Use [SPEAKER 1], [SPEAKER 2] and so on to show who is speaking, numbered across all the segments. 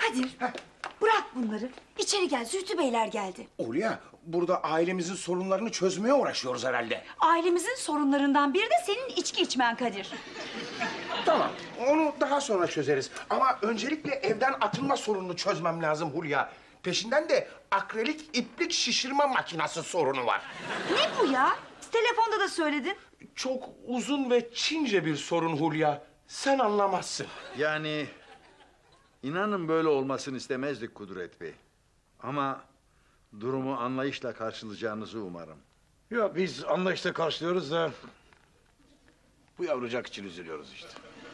[SPEAKER 1] Kadir, bırak bunları. İçeri gel, Zühtü Beyler geldi.
[SPEAKER 2] Hulya, burada ailemizin sorunlarını çözmeye uğraşıyoruz herhalde.
[SPEAKER 1] Ailemizin sorunlarından biri de senin içki içmen Kadir.
[SPEAKER 2] Tamam, onu daha sonra çözeriz. Ama öncelikle evden atılma sorununu çözmem lazım Hulya. Peşinden de akrilik iplik şişirme makinesi sorunu var.
[SPEAKER 1] Ne bu ya? Telefonda da söyledin.
[SPEAKER 2] Çok uzun ve Çince bir sorun Hulya. Sen anlamazsın.
[SPEAKER 3] Yani inanın böyle olmasını istemezdik Kudret Bey. Ama durumu anlayışla karşılayacağınızı umarım.
[SPEAKER 4] Ya biz anlayışla karşılıyoruz da... ...bu yavrucak için üzülüyoruz işte.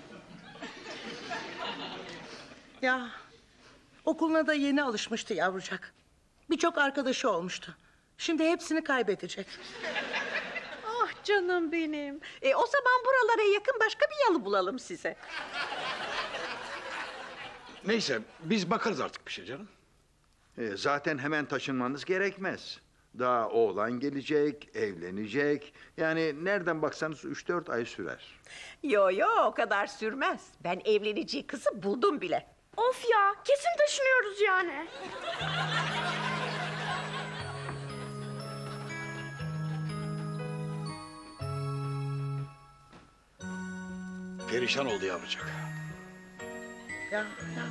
[SPEAKER 5] Ya okuluna da yeni alışmıştı yavrucak. Birçok arkadaşı olmuştu. Şimdi hepsini kaybedecek.
[SPEAKER 6] Ah canım benim. O zaman buralara yakın başka bir yalı bulalım size.
[SPEAKER 4] Neyse biz bakarız artık bir şey canım.
[SPEAKER 3] Zaten hemen taşınmanız gerekmez. Daha oğlan gelecek, evlenecek. Yani nereden baksanız 3-4 ay sürer.
[SPEAKER 6] Yo o kadar sürmez. Ben evleneceği kızı buldum bile.
[SPEAKER 7] Of ya, kesin taşınıyoruz yani.
[SPEAKER 4] Perişan oldu yavrucak.
[SPEAKER 5] Ya.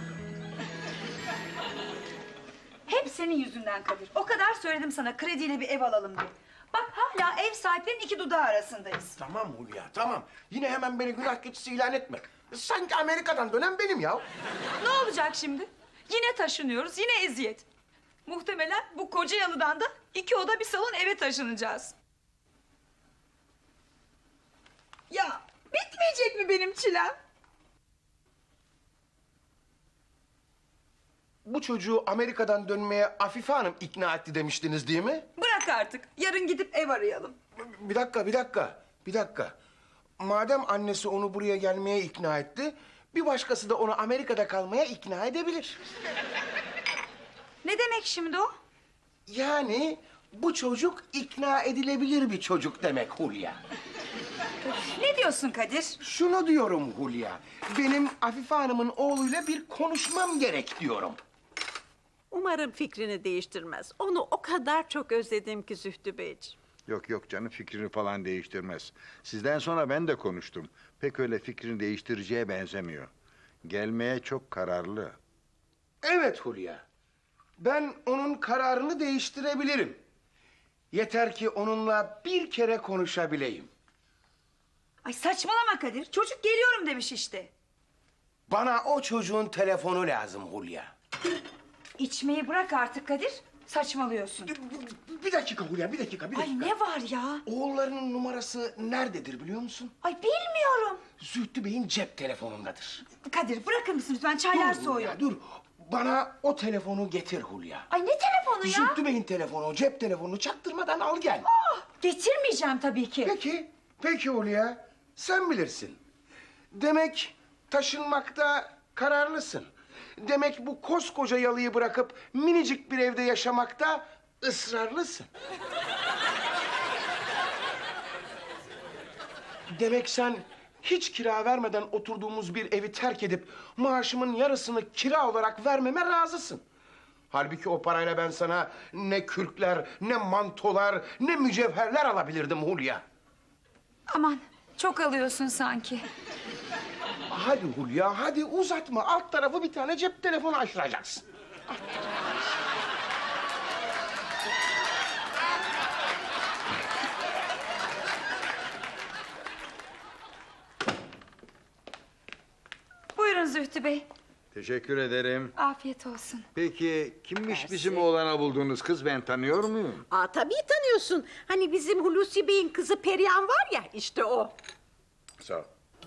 [SPEAKER 1] Hep senin yüzünden Kadir. O kadar söyledim sana krediyle bir ev alalım diye. Bak hala ev sahiplerinin iki dudağı arasındayız.
[SPEAKER 2] Tamam Hulya, tamam. Yine hemen beni günah keçisi ilan etme. Sanki Amerika'dan dönen benim ya.
[SPEAKER 1] Ne olacak şimdi? Yine taşınıyoruz, yine eziyet. Muhtemelen bu koca yalıdan da 2 oda bir salon eve taşınacağız. Ya bitmeyecek mi benim çilem?
[SPEAKER 2] Bu çocuğu Amerika'dan dönmeye Afife Hanım ikna etti demiştiniz değil mi?
[SPEAKER 1] Bırak artık. Yarın gidip ev arayalım.
[SPEAKER 2] Bir dakika. Madem annesi onu buraya gelmeye ikna etti... ...bir başkası da onu Amerika'da kalmaya ikna edebilir.
[SPEAKER 1] Ne demek şimdi o?
[SPEAKER 2] Yani bu çocuk ikna edilebilir bir çocuk demek Hulya.
[SPEAKER 1] Ne diyorsun Kadir?
[SPEAKER 2] Şunu diyorum Hulya, benim Afife Hanım'ın oğluyla bir konuşmam gerek diyorum.
[SPEAKER 6] Umarım fikrini değiştirmez. Onu o kadar çok özledim ki Zühtü Beyciğim.
[SPEAKER 3] Yok canım fikrini falan değiştirmez. Sizden sonra ben de konuştum. Pek öyle fikrini değiştireceğe benzemiyor. Gelmeye çok kararlı.
[SPEAKER 2] Evet Hulya, ben onun kararını değiştirebilirim. Yeter ki onunla bir kere konuşabileyim.
[SPEAKER 1] Ay saçmalama Kadir. Çocuk geliyorum demiş işte.
[SPEAKER 2] Bana o çocuğun telefonu lazım Hulya.
[SPEAKER 1] İçmeyi bırak artık Kadir. Saçmalıyorsun.
[SPEAKER 2] Bir dakika Hulya, bir dakika.
[SPEAKER 1] Ay ne var ya?
[SPEAKER 2] Oğullarının numarası nerededir biliyor musun?
[SPEAKER 1] Ay bilmiyorum.
[SPEAKER 2] Zühtü Bey'in cep telefonundadır.
[SPEAKER 1] Kadir bırakır mısın lütfen? Çaylar
[SPEAKER 2] Dur
[SPEAKER 1] soğuyor.
[SPEAKER 2] Hulya, dur. Bana o telefonu getir Hulya.
[SPEAKER 1] Ay ne telefonu ya?
[SPEAKER 2] Zühtü Bey'in telefonu, cep telefonunu çaktırmadan al gel.
[SPEAKER 1] Getirmeyeceğim tabii ki.
[SPEAKER 2] Peki Hulya. Sen bilirsin. Demek taşınmakta kararlısın. Demek bu koskoca yalıyı bırakıp minicik bir evde yaşamakta ısrarlısın. Demek sen hiç kira vermeden oturduğumuz bir evi terk edip maaşımın yarısını kira olarak vermeme razısın. Halbuki o parayla ben sana ne kürkler, ne mantolar, ne mücevherler alabilirdim Hulya.
[SPEAKER 1] Aman çok alıyorsun sanki.
[SPEAKER 2] Hadi Hulya, hadi uzatma. Alt tarafı bir tane cep telefonu açtıracaksın.
[SPEAKER 1] Buyurun Zühtü Bey.
[SPEAKER 3] Teşekkür ederim.
[SPEAKER 1] Afiyet olsun.
[SPEAKER 3] Peki kimmiş bizim oğlana bulduğunuz kız, ben tanıyor muyum?
[SPEAKER 6] Tabii tanıyorsun. Hani bizim Hulusi Bey'in kızı Perihan var ya, işte o.
[SPEAKER 3] Sağ ol.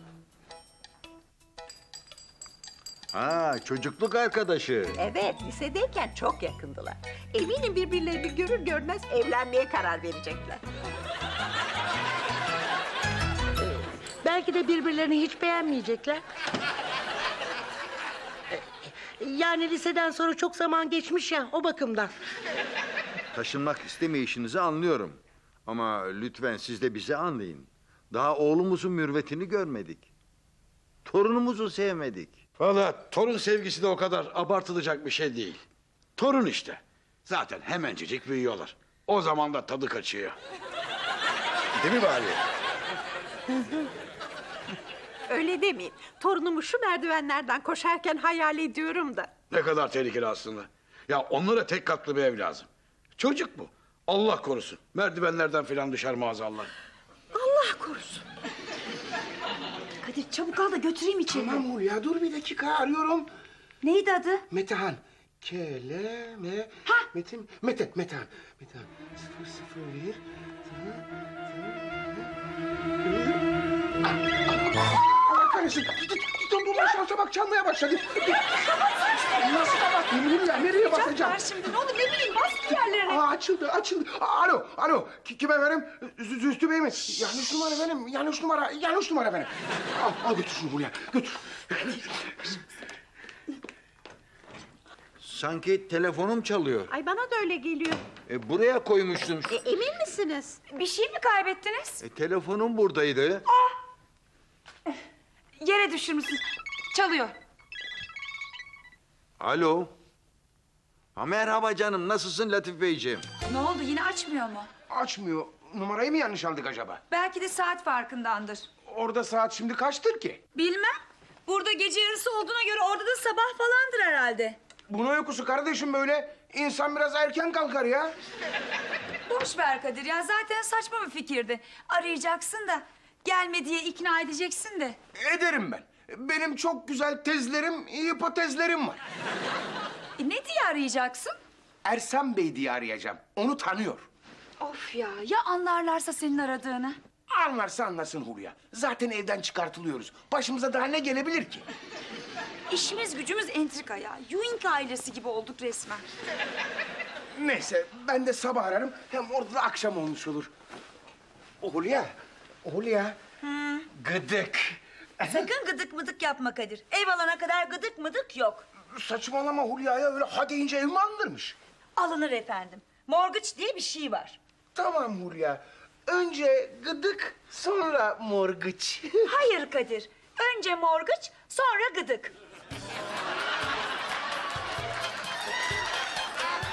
[SPEAKER 3] Çocukluk arkadaşı.
[SPEAKER 6] Evet, lisedeyken çok yakındılar. Eminim birbirlerini görür görmez evlenmeye karar verecekler.
[SPEAKER 5] Belki de birbirlerini hiç beğenmeyecekler. Yani liseden sonra çok zaman geçmiş ya, o bakımdan.
[SPEAKER 3] Taşınmak istemeyişinizi anlıyorum. Ama lütfen siz de bizi anlayın. Daha oğlumuzun mürvetini görmedik. Torunumuzu sevmedik.
[SPEAKER 4] Vallahi torun sevgisi de o kadar abartılacak bir şey değil. Torun işte. Zaten hemencecik büyüyorlar. O zaman da tadı kaçıyor. Değil mi bari?
[SPEAKER 6] Öyle demeyin. Torunumu şu merdivenlerden koşarken hayal ediyorum da.
[SPEAKER 4] Ne kadar tehlikeli aslında. Ya onlara tek katlı bir ev lazım. Çocuk bu. Allah korusun. Merdivenlerden filan düşer maazallah.
[SPEAKER 6] Allah korusun.
[SPEAKER 1] Kadir çabuk al da götüreyim içeri.
[SPEAKER 2] Tamam Hulya dur bir dakika arıyorum.
[SPEAKER 1] Neydi adı?
[SPEAKER 2] Metehan. Keleme. Metin. Metehan. Metehan. 001. Allah kahretsin. Dur şansa bak çalmaya başladı. Nasıl kapatayım Hulya? Nereye basacağım?
[SPEAKER 1] Ver şimdi ne olur ne bileyim bas bir yerlerine.
[SPEAKER 2] Açıldı. Alo. Kim efendim? Zühtü Bey mi? Yanlış numara benim. Yanlış numara benim. Al götür şunu Hulya. Götür.
[SPEAKER 3] Sanki telefonum çalıyor.
[SPEAKER 6] Ay bana da öyle geliyor.
[SPEAKER 3] Buraya koymuştum.
[SPEAKER 6] Emin misiniz?
[SPEAKER 1] Bir şey mi kaybettiniz?
[SPEAKER 3] Telefonum buradaydı.
[SPEAKER 1] Yere düşürmüşsünüz. Çalıyor.
[SPEAKER 3] Alo. Ha, merhaba canım, nasılsın Latif Beyciğim?
[SPEAKER 1] Ne oldu yine açmıyor mu?
[SPEAKER 2] Açmıyor. Numarayı mı yanlış aldık acaba?
[SPEAKER 1] Belki de saat farkındandır.
[SPEAKER 2] Orada saat şimdi kaçtır ki?
[SPEAKER 1] Bilmem. Burada gece yarısı olduğuna göre orada da sabah falandır herhalde.
[SPEAKER 2] Bu ne uykusu kardeşim böyle? İnsan biraz erken kalkar ya.
[SPEAKER 1] Boş ver Kadir ya zaten saçma bir fikirdi. Arayacaksın da gelme diye ikna edeceksin de.
[SPEAKER 2] Ederim ben. Benim çok güzel tezlerim, hipotezlerim var.
[SPEAKER 1] Ne diye arayacaksın?
[SPEAKER 2] Ersan Bey diye arayacağım. Onu tanıyor.
[SPEAKER 1] Of ya anlarlarsa senin aradığını.
[SPEAKER 2] Anlarsa anlasın Hulya. Zaten evden çıkartılıyoruz. Başımıza daha ne gelebilir ki?
[SPEAKER 1] İşimiz gücümüz entrika ya. Ewing ailesi gibi olduk resmen.
[SPEAKER 2] Neyse ben de sabah ararım. Hem orada da akşam olmuş olur. Hulya. Gıdık.
[SPEAKER 1] Sakın gıdık mıdık yapma Kadir. Ev alana kadar gıdık mıdık yok.
[SPEAKER 2] Saçmalama Hulya'ya öyle ha deyince ev mi alınırmış?
[SPEAKER 1] Alınır efendim. Morgıç diye bir şey var.
[SPEAKER 2] Tamam Hulya. Önce gıdık sonra morgıç.
[SPEAKER 1] Hayır Kadir. Önce morgıç sonra gıdık.